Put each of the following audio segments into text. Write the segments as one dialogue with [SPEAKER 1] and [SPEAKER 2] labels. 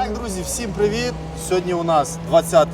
[SPEAKER 1] Так, друзі, всім привіт! Сьогодні у нас 20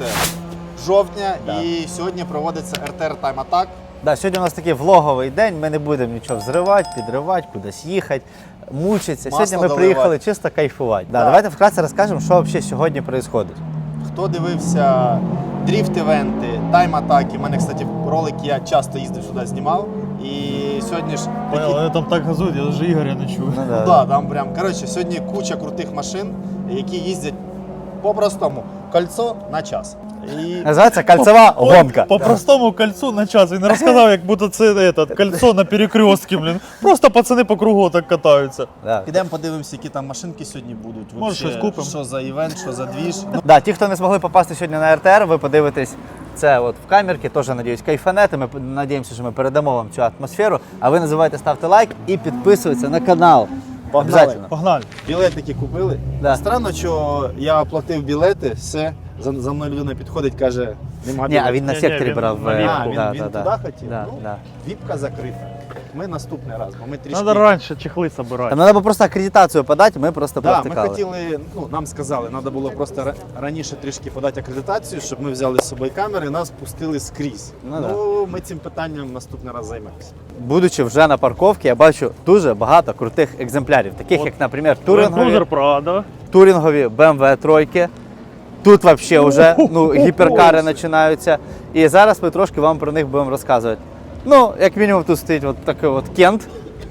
[SPEAKER 1] жовтня і сьогодні проводиться РТР Time Attack.
[SPEAKER 2] Да, сьогодні у нас такий влоговий день, ми не будемо нічого взривати, підривати, кудись їхати, мучитися.
[SPEAKER 1] Масло
[SPEAKER 2] Сьогодні ми
[SPEAKER 1] доливати.
[SPEAKER 2] приїхали чисто кайфувати. Да, давайте вкратце розкажемо, що взагалі сьогодні відбувається.
[SPEAKER 1] Хто дивився дріфт-івенти, тайм-атаки, у мене, кстати, ролик я часто їздив сюди, знімав. І сьогодні ж
[SPEAKER 3] Понял, вони там так газують, я навіть Ігоря не чую.
[SPEAKER 2] Ну,
[SPEAKER 1] Ну, да, там прям, коротше, сьогодні куча крутих машин, які їздять по-простому кольцо на час. І
[SPEAKER 2] Називається кольцова гонка.
[SPEAKER 3] По простому кольцу на час. Він розказав, як будто це кольцо на перекрестці, блін. Просто пацани по кругу так катаються.
[SPEAKER 2] Да.
[SPEAKER 1] підемо подивимося, які там машинки сьогодні будуть.
[SPEAKER 3] Може,
[SPEAKER 1] Вообще,
[SPEAKER 3] щось купимо.
[SPEAKER 1] Що за івент, що за двіж.
[SPEAKER 2] Да, ті, хто не змогли попасти сьогодні на РТР, ви подивитесь це от в камерці, теж, надіюсь, кайфанете. Ми надіємося, що ми передамо вам цю атмосферу. А ви не забувайте ставити лайк і підписуватися на канал. Обязательно.
[SPEAKER 3] Погнали.
[SPEAKER 1] Білетики купили.
[SPEAKER 2] Да.
[SPEAKER 1] Странно, що я оплатив білети, все, за мною людина підходить, каже, нема
[SPEAKER 2] Ні,
[SPEAKER 1] білетів.
[SPEAKER 2] а він на
[SPEAKER 3] Ні,
[SPEAKER 2] секторі
[SPEAKER 3] він
[SPEAKER 2] брав.
[SPEAKER 3] на віпку.
[SPEAKER 1] Він туди хотів?
[SPEAKER 2] Да,
[SPEAKER 1] Ну,
[SPEAKER 2] да.
[SPEAKER 1] віпка закрита. Ми наступний раз, бо ми трішки...
[SPEAKER 3] Надо раніше чехли собирати.
[SPEAKER 2] Там треба просто акредитацію подати, ми просто
[SPEAKER 1] Да, ми
[SPEAKER 2] провтикали.
[SPEAKER 1] хотіли, нам сказали, треба було просто раніше трішки подати акредитацію, щоб ми взяли з собою камери і нас пустили скрізь.
[SPEAKER 2] Ну,
[SPEAKER 1] Ми цим питанням наступний раз займемося.
[SPEAKER 2] Будучи вже на парковці, я бачу дуже багато крутих екземплярів, таких як, наприклад,
[SPEAKER 3] Cruiser Prado.
[SPEAKER 2] турингові BMW тройки. Тут взагалі вже гіперкари починаються. І зараз ми трошки вам про них будемо розказувати. Ну, як мінімум, тут стоїть от такий от Кент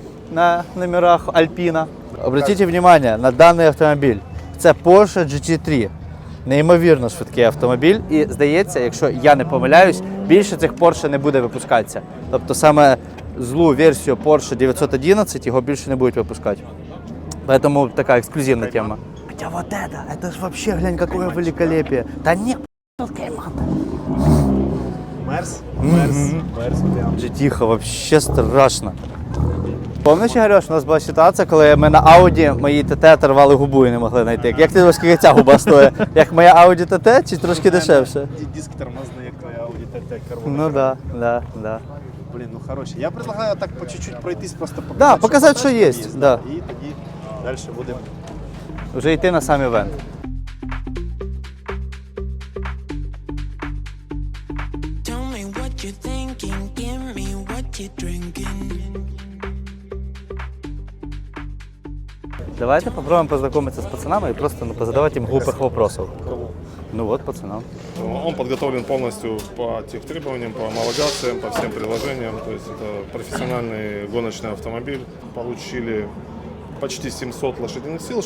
[SPEAKER 2] на номерах Альпіна. Обратіть увагу на даний автомобіль. Це Porsche GT3. Неймовірно швидкий автомобіль. І здається, якщо я не помиляюсь, більше цих Porsche не буде випускатися. Тобто саме злу версію Porsche 911 його більше не будуть випускати. Поэтому такая эксклюзивная тема. Хотя вот это ж вообще, глянь, какое великолепие. Да не, тут Кайман.
[SPEAKER 1] Мерс, прям.
[SPEAKER 2] GT вообще страшно. Помниш, Ігорюш, у нас була ситуація, коли ми на Ауді моїй ТТ оторвали губу і не могли знайти. Як ти думаєш, скільки ця губа стоїть? Як моя Audi TT чи трошки дешевше?
[SPEAKER 1] Диск тормозний, як твоя Audi TT карбон.
[SPEAKER 2] Ну да.
[SPEAKER 1] Блін, ну хороші. Я предлагаю так по чуть-чуть пройтись, просто показати,
[SPEAKER 2] Да, показати, що є, да.
[SPEAKER 1] І тоді далі будемо.
[SPEAKER 2] Вже йти на сам івент.
[SPEAKER 4] Tell me what you're thinking, give me what you're drinking.
[SPEAKER 2] Давайте попробуем познакомиться с пацанами и просто позадавать им глупых вопросов. Ну вот, пацанам.
[SPEAKER 5] Он подготовлен полностью по тех требованиям, по homологациям, по всем приложениям. То есть это профессиональный гоночный автомобиль. Получили почти 700 лошадиных сил,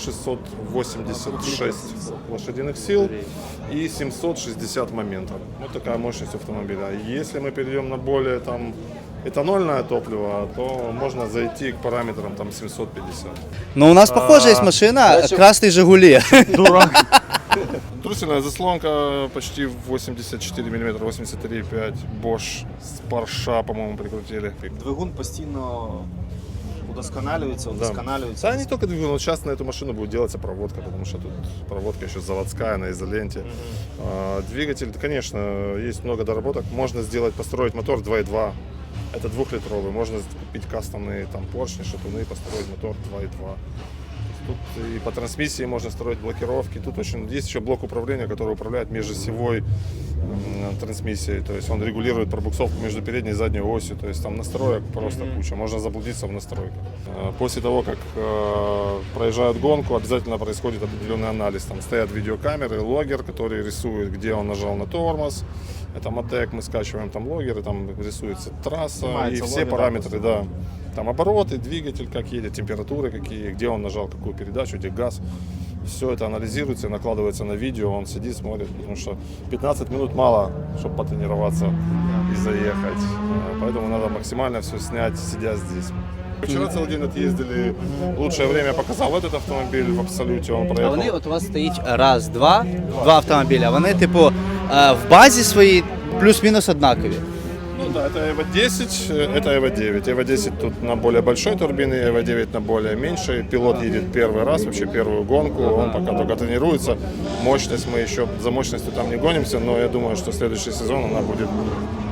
[SPEAKER 5] 686 лошадиных сил и 760 моментов. Вот такая мощность автомобиля. Если мы перейдем на более этанольное топливо, то можно зайти к параметрам 750.
[SPEAKER 2] Ну у нас похожая есть машина, красный Жигули.
[SPEAKER 3] Дурак.
[SPEAKER 5] Трусельная заслонка почти 84 мм, 83,5. Bosch с Porsche, по-моему, прикрутили.
[SPEAKER 1] Двигун постійно удосконалюється.
[SPEAKER 5] Да, не только двигун, но сейчас на эту машину будет делаться проводка, потому что тут проводка еще заводская на изоленте. Двигатель, конечно, есть много доработок. Можно построить мотор 2.2. Это 2-литровый. Можно купить кастомные поршни, шатуны и построить мотор 2.2. Тут и по трансмиссии можно строить блокировки. Тут есть еще блок управления, который управляет межосевой трансмиссией. То есть он регулирует пробуксовку между передней и задней осью. То есть там настроек просто куча. Можно заблудиться в настройках. После того, как проезжают гонку, обязательно происходит определенный анализ. Там стоят видеокамеры, логер, который рисует, где он нажал на тормоз. Это мотек, мы скачиваем там логеры, там рисуется трасса.
[SPEAKER 1] Снимается
[SPEAKER 5] и все
[SPEAKER 1] логер,
[SPEAKER 5] параметры, да. Там обороты, двигатель как едет, температуры какие, где он нажал какую передачу, где газ. Все это анализируется и накладывается на видео, он сидит, смотрит, потому что 15 минут мало, чтобы потренироваться и заехать. Поэтому надо максимально все снять, сидя здесь. Вчера целый день отъездили, лучшее время показал этот автомобиль в Абсолюте, он
[SPEAKER 2] А
[SPEAKER 5] проехал.
[SPEAKER 2] вони от у вас стоїть два автомобіля. Вони, типу, в базі своїй плюс-мінус однакові.
[SPEAKER 5] Ну да, это Evo 10, это Evo 9. Evo 10 тут на более большой турбине, Evo 9 на более меньшей. Пилот едет первый раз, вообще первую гонку, он пока только тренируется. Мощность мы еще, за мощностью там не гонимся, но я думаю, что следующий сезон она будет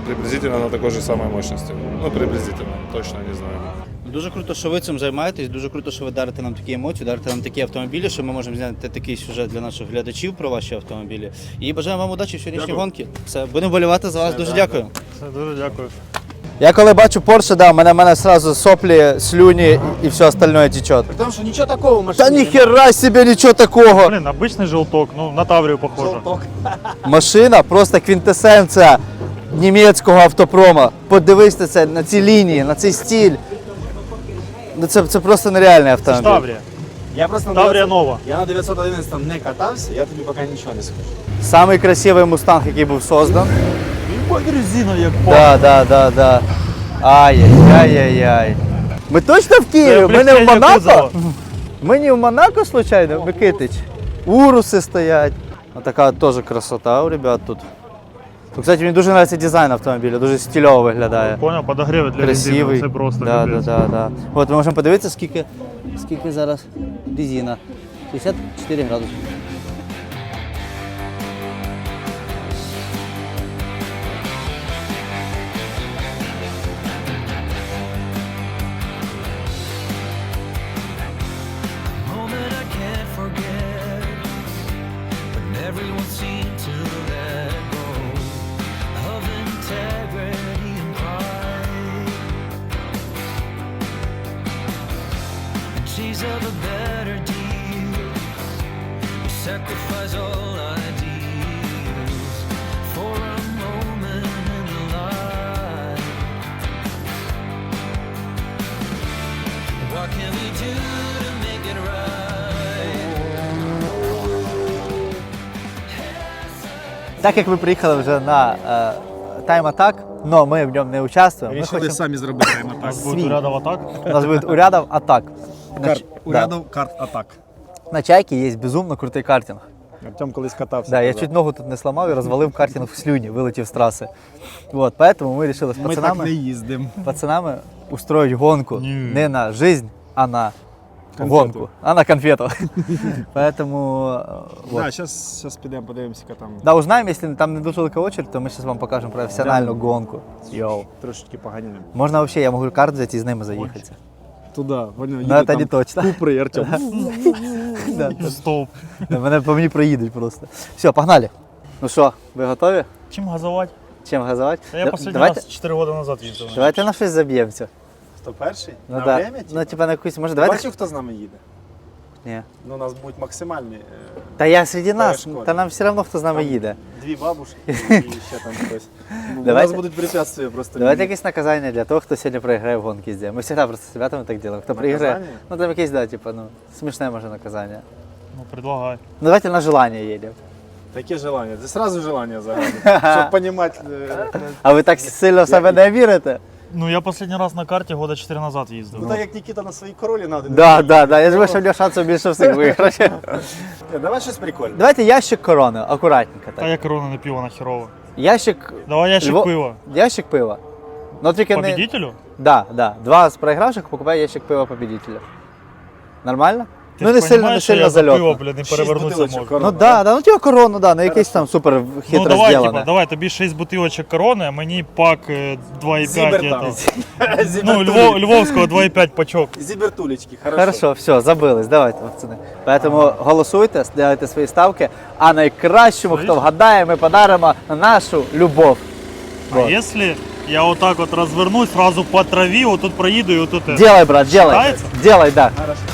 [SPEAKER 5] приблизительно на такой же самой мощности. Ну, приблизительно, точно не знаю.
[SPEAKER 2] Дуже круто, що ви цим займаєтесь, дуже круто, що ви дарите нам такі емоції, дарите нам такі автомобілі, що ми можемо зняти такий сюжет для наших глядачів про ваші автомобілі. І бажаємо вам удачі в сьогоднішній гонці. Все, будемо болівати за вас. Дуже дякую.
[SPEAKER 3] Все, дуже дякую.
[SPEAKER 2] Я коли бачу Porsche, да, мене сразу соплі, слюні і все остальное течет.
[SPEAKER 1] Потому что ничего такого в машине.
[SPEAKER 2] Та ніхера себе, нічого такого.
[SPEAKER 3] Блин, обычный желток, ну на Таврию похоже.
[SPEAKER 1] Желток.
[SPEAKER 2] Машина просто квінтесенція німецького автопрома. Подивись на це, на ці лінії, на цей стиль. Ну, це просто нереальний автомобіль.
[SPEAKER 3] Таврия.
[SPEAKER 1] Я просто на
[SPEAKER 3] Таврія
[SPEAKER 1] 900
[SPEAKER 3] нова.
[SPEAKER 1] Я на 911 не катався, я тобі поки нічого не скажу.
[SPEAKER 2] Самий красивий мустанг, який був создан.
[SPEAKER 3] Ебать резина як
[SPEAKER 2] Да. Ай-яй-яй-яй. Ми точно в Києві? Ми не в Монако? Ми не в Монако, случайно, Микитич? Уруси стоять. Така теж красота у ребят тут. Ну, кстати, мені дуже подобається дизайн автомобіля, дуже стильово виглядає.
[SPEAKER 3] Понял, подогреви для
[SPEAKER 2] Красивий.
[SPEAKER 3] резини, це просто
[SPEAKER 2] да.
[SPEAKER 3] капець.
[SPEAKER 2] От ми можемо подивитися, скільки зараз резина. 64 градуси.
[SPEAKER 4] Moment I can't forget when everyone seemed to let go of integrity and pride. The chase of a better deal, we sacrifice all ideals for a moment in life. What can we do to make it right?
[SPEAKER 2] Так як ви приїхали вже на Time Attack, але ми в ньому не участвуємо. Ми хочемо...
[SPEAKER 1] самі зробити
[SPEAKER 3] У нас буде рядом атак.
[SPEAKER 2] У нас буде урядов атак.
[SPEAKER 1] Урядов карт атак.
[SPEAKER 2] На Чайці є безумно крутий картинг.
[SPEAKER 1] Артем колись катався.
[SPEAKER 2] Да, я чуть ногу тут не сломав і розвалив картинг в слюні, вилетів з траси. Вот, поэтому ми вирішили з
[SPEAKER 1] Ми так не
[SPEAKER 2] пацанами,
[SPEAKER 1] їздимо.
[SPEAKER 2] устроїть гонку не на жизнь, а на
[SPEAKER 1] Конфету.
[SPEAKER 2] гонку, а на конфету. Поэтому вот.
[SPEAKER 1] Да, зараз підемо, подивимося, яка там
[SPEAKER 2] Да, узнаємо, якщо там не дуже велика очередь, то ми зараз вам покажемо професіональну гонку. Йоу.
[SPEAKER 1] трошечки поганяємо.
[SPEAKER 2] Можна взагалі, я можу карт взяти і з ними заїхатися.
[SPEAKER 1] Туди, поняв,
[SPEAKER 2] Ну, це не точно.
[SPEAKER 1] Купри, Артем.
[SPEAKER 2] Да.
[SPEAKER 3] Стовп.
[SPEAKER 2] По мені проїдуть просто. Все, погнали. Ну що, ви готові?
[SPEAKER 3] Чим газувати?
[SPEAKER 2] Чим газувати?
[SPEAKER 3] Та я последний
[SPEAKER 2] Давайте,
[SPEAKER 3] раз 4 роки назад їздив.
[SPEAKER 2] давайте на щось заб'ємося.
[SPEAKER 1] Хто перший?
[SPEAKER 2] Ну,
[SPEAKER 1] На
[SPEAKER 2] да.
[SPEAKER 1] время?
[SPEAKER 2] Ну, типа на якусь, може, давайте?
[SPEAKER 1] Бачив, хто з нами їде?
[SPEAKER 2] Ні.
[SPEAKER 1] Ну, у нас будуть максимальні
[SPEAKER 2] Та я серед нас,
[SPEAKER 1] шкода.
[SPEAKER 2] та нам все одно хто з нами їде.
[SPEAKER 1] дві бабушки і ще там хтось. У
[SPEAKER 2] Давайте.
[SPEAKER 1] нас будуть препятствия просто.
[SPEAKER 2] Давайте якесь наказання для того, хто сьогодні проіграє в гонки здесь. Ми завжди просто з ребятами так робимо. Хто проіграє,
[SPEAKER 1] Наказання?
[SPEAKER 2] ну там якесь, да, типа, ну, смішне може наказання.
[SPEAKER 3] Ну, предлагай.
[SPEAKER 2] Ну, давайте на желання їдемо.
[SPEAKER 1] Таке желання. Це сразу желання загадує. Щоб понімати.
[SPEAKER 2] А ви так сильно в себе не вірите?
[SPEAKER 3] Ну, я последний раз на карті года 4 назад їздив.
[SPEAKER 1] Ну так як Нікіта на своїй королі надо.
[SPEAKER 2] Да. Я думаю, що в нього шансів більше всіх виграти.
[SPEAKER 1] Давай щось прикольне.
[SPEAKER 2] Давайте ящик корони, акуратненько
[SPEAKER 3] Та
[SPEAKER 2] так.
[SPEAKER 3] я корона не пиво нахерово.
[SPEAKER 2] Ящик.
[SPEAKER 3] Давай ящик
[SPEAKER 2] Льво-
[SPEAKER 3] пива.
[SPEAKER 2] Ящик пива. Ну тільки не.
[SPEAKER 3] Победителю?
[SPEAKER 2] Да. Два з проігравших покупає ящик пива победителя. Нормально?
[SPEAKER 3] Ти
[SPEAKER 2] Ну
[SPEAKER 3] ж
[SPEAKER 2] не сильно, не
[SPEAKER 3] понімаєш, що
[SPEAKER 2] сильно
[SPEAKER 3] я за пиво,
[SPEAKER 2] зальотно.
[SPEAKER 3] блін, не
[SPEAKER 1] 6
[SPEAKER 3] перевернутися
[SPEAKER 1] бутилочок
[SPEAKER 3] можу.
[SPEAKER 1] корони.
[SPEAKER 2] Ну да, ну типа корону, да, ну якийсь там супер
[SPEAKER 3] Ну
[SPEAKER 2] хитро
[SPEAKER 3] давай,
[SPEAKER 2] зроблене.
[SPEAKER 3] типа, давай, тобі 6 бутилочок корони, а мені пак 2,5
[SPEAKER 1] Зібер там.
[SPEAKER 3] это. Ну, Львовського 2,5 пачок.
[SPEAKER 1] Зібертулечки,
[SPEAKER 2] Хорошо, все, забились, давайте, пацани. Поэтому голосуйте, ставте свої ставки, а найкращому, хто вгадає, ми подаримо нашу любов.
[SPEAKER 3] А если я вот так вот развернусь, сразу по траве, вот тут проеду и вот тут это.
[SPEAKER 2] Делай, брат, делай.
[SPEAKER 3] Считается?
[SPEAKER 2] Делай, да.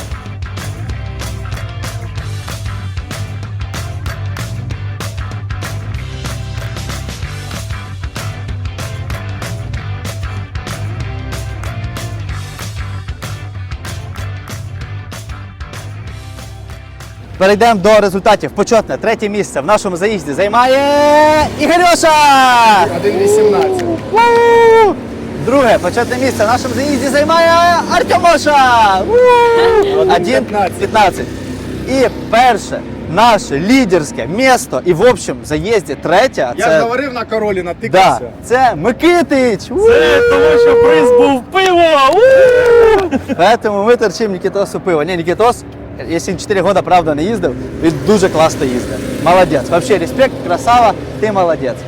[SPEAKER 2] Перейдемо до результатів. Почетне третє місце в нашому заїзді займає Ігорюша!
[SPEAKER 1] 1,18.
[SPEAKER 2] Ву! Друге почетне місце в нашому заїзді займає Артемоша! 1,15. І перше наше лідерське місто і в общем в заїзді третє.
[SPEAKER 1] Я ж говорив на королі,
[SPEAKER 2] Да,
[SPEAKER 1] натикався.
[SPEAKER 2] це Микитич!
[SPEAKER 3] Це тому що приз був пиво!
[SPEAKER 2] Поэтому ми торчимо Нікітосу пиво. Ні, Нікітос, якщо 4 роки, правда, не їздив, він дуже класно їздив. Молодець. Вообще респект, красава, ти молодець.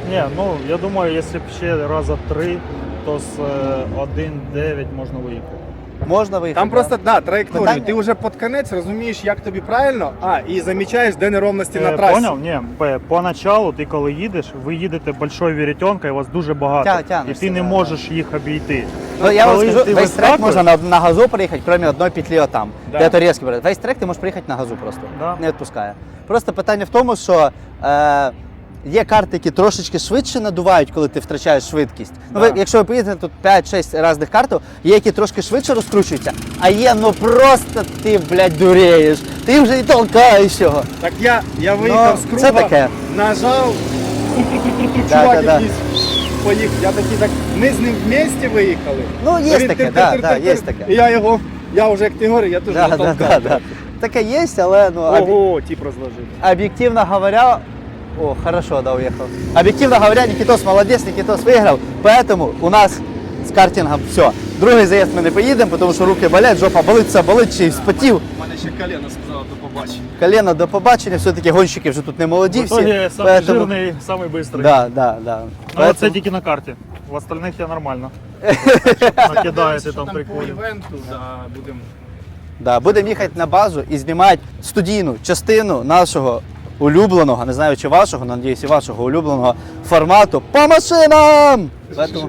[SPEAKER 3] Ні, ну я думаю, якщо б ще раза 3, то з 1.9 можна виїхати.
[SPEAKER 2] Можна виїхати.
[SPEAKER 1] Там просто траєкторію.
[SPEAKER 2] Питання?
[SPEAKER 1] Ти вже під конець розумієш, як тобі правильно, і замічаєш, де неровності на трасі.
[SPEAKER 3] Поняв? Ні, поначалу ти коли їдеш, ви їдете большою веретенкою, вас дуже багато.
[SPEAKER 2] Тянешся,
[SPEAKER 3] І ти не
[SPEAKER 2] да,
[SPEAKER 3] можеш їх обійти.
[SPEAKER 2] Ну, я вам
[SPEAKER 3] Коли
[SPEAKER 2] скажу,
[SPEAKER 3] ти
[SPEAKER 2] весь трек
[SPEAKER 3] вискакуєш-
[SPEAKER 2] можна на газу проїхати, крім одної петлі отам,
[SPEAKER 1] Да.
[SPEAKER 2] де то різкий брат. Весь трек ти можеш приїхати на газу просто.
[SPEAKER 3] Да.
[SPEAKER 2] Не відпускає. Просто питання в тому, що є карти, які трошечки швидше надувають, коли ти втрачаєш швидкість. Ну, ви, якщо ви поїдете тут 5-6 різних картів, є які трошки швидше розкручуються, а є, ну просто ти, блядь, дуреєш. Ти вже і толкаєш його.
[SPEAKER 1] Так я виїхав з
[SPEAKER 2] це
[SPEAKER 1] круга,
[SPEAKER 2] таке.
[SPEAKER 1] нажав,
[SPEAKER 2] Да,
[SPEAKER 1] чувак
[SPEAKER 2] да, да.
[SPEAKER 1] якийсь поїхав. Я такий так, ми з ним вместе виїхали.
[SPEAKER 2] Ну, є
[SPEAKER 1] Він
[SPEAKER 2] таке,
[SPEAKER 1] тир-тир-тир-тир-тир.
[SPEAKER 2] є таке.
[SPEAKER 1] І я вже як ти говориш, я теж
[SPEAKER 2] Да,
[SPEAKER 1] не
[SPEAKER 2] да,
[SPEAKER 1] толкав.
[SPEAKER 2] да. Таке є, але ну,
[SPEAKER 1] Ого, тип розложив.
[SPEAKER 2] объективно говоря, о, хорошо, да, уехал. Объективно говоря, Никитос молодец, Никитос выиграл, поэтому у нас с картингом все. Другий заїзд ми не поїдемо, тому що руки болять, жопа болить, все болить, ще й спотів.
[SPEAKER 1] У мене ще колено сказало до побачення.
[SPEAKER 2] Колено до побачення, все-таки гонщики вже тут не молоді
[SPEAKER 3] В
[SPEAKER 2] всі.
[SPEAKER 3] итоге самый жирный, самый быстрый.
[SPEAKER 2] Да, да, да.
[SPEAKER 3] Ну, це тільки на карті. В остальних я нормально. Накидаєте там
[SPEAKER 1] По
[SPEAKER 3] прикольно.
[SPEAKER 1] івенту, будемо.
[SPEAKER 2] Да, будемо їхати на базу і знімати студійну частину нашого улюбленого, не знаю чи вашого, але надіюсь, і вашого улюбленого формату по машинам! Поэтому...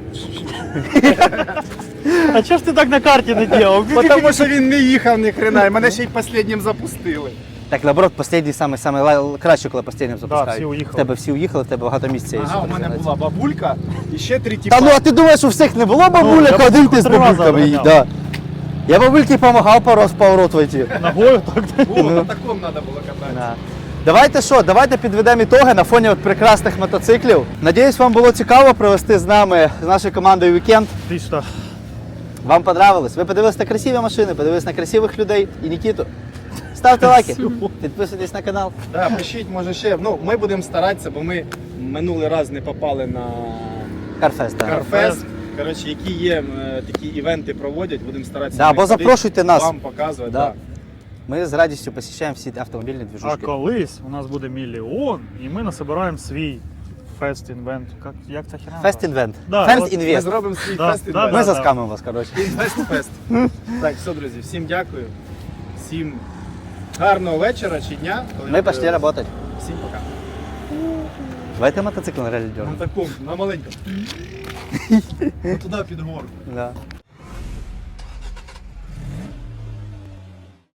[SPEAKER 3] А чого ж ти так на карті не робив?
[SPEAKER 1] Тому що він не їхав ні хрена, і мене ще й останнім запустили.
[SPEAKER 2] Так, наоборот, останній саме краще, коли останнім запускають.
[SPEAKER 3] всі уїхали.
[SPEAKER 2] В тебе всі уїхали, в тебе багато місця є.
[SPEAKER 1] Ага, у мене була бабулька і ще 3
[SPEAKER 2] Та
[SPEAKER 1] тіпа.
[SPEAKER 2] ну, а ти думаєш, у всіх не було бабуляк,
[SPEAKER 3] я
[SPEAKER 2] один ти з
[SPEAKER 3] 3 рази
[SPEAKER 2] бабульками?
[SPEAKER 3] обганяв.
[SPEAKER 2] Да. Я бабульки допомагав пару раз в поворот войти.
[SPEAKER 3] Ногою так.
[SPEAKER 1] О, на такому треба було кататися.
[SPEAKER 2] Да. Давайте що, давайте підведемо ітоги на фоні от прекрасних мотоциклів. Надіюсь, вам було цікаво провести з нами, з нашою командою вікенд.
[SPEAKER 3] Ти що?
[SPEAKER 2] Вам понравилось? Ви подивились на красиві машини, подивились на красивих людей і Нікіту. Ставте лайки, підписуйтесь на канал.
[SPEAKER 1] Да, пишіть, може ще. Ну, ми будемо старатися, бо ми минулий раз не попали на
[SPEAKER 2] Карфест, так.
[SPEAKER 1] Карфест. Коротше, які є такі івенти проводять, будемо старатися.
[SPEAKER 2] Да,
[SPEAKER 1] на них
[SPEAKER 2] або
[SPEAKER 1] ходити,
[SPEAKER 2] запрошуйте нас.
[SPEAKER 1] Вам показувати.
[SPEAKER 2] Да.
[SPEAKER 1] Да.
[SPEAKER 2] Ми з радістю посещаємо всі автомобільні
[SPEAKER 3] А
[SPEAKER 2] движушки.
[SPEAKER 3] колись у нас буде мільйон, і ми насобираємо свій фест інвент. Як ця херня?
[SPEAKER 2] Фест інвент.
[SPEAKER 3] Да,
[SPEAKER 2] Фест
[SPEAKER 3] от
[SPEAKER 1] Ми
[SPEAKER 2] інвест.
[SPEAKER 1] зробимо свій
[SPEAKER 3] Да,
[SPEAKER 1] фест
[SPEAKER 3] да,
[SPEAKER 1] інвест.
[SPEAKER 2] Ми
[SPEAKER 3] да.
[SPEAKER 2] заскамимо вас, коротше.
[SPEAKER 1] Інвест-фест. Так, все, друзі, всім дякую. Всім гарного вечора чи дня. коли
[SPEAKER 2] Ми
[SPEAKER 1] ви
[SPEAKER 2] пошли
[SPEAKER 1] дивитесь.
[SPEAKER 2] працювати.
[SPEAKER 1] Всім пока.
[SPEAKER 2] Давайте мотоцикл на релі дернемо.
[SPEAKER 1] На такому, на маленькому. Туди під гору.
[SPEAKER 2] Да.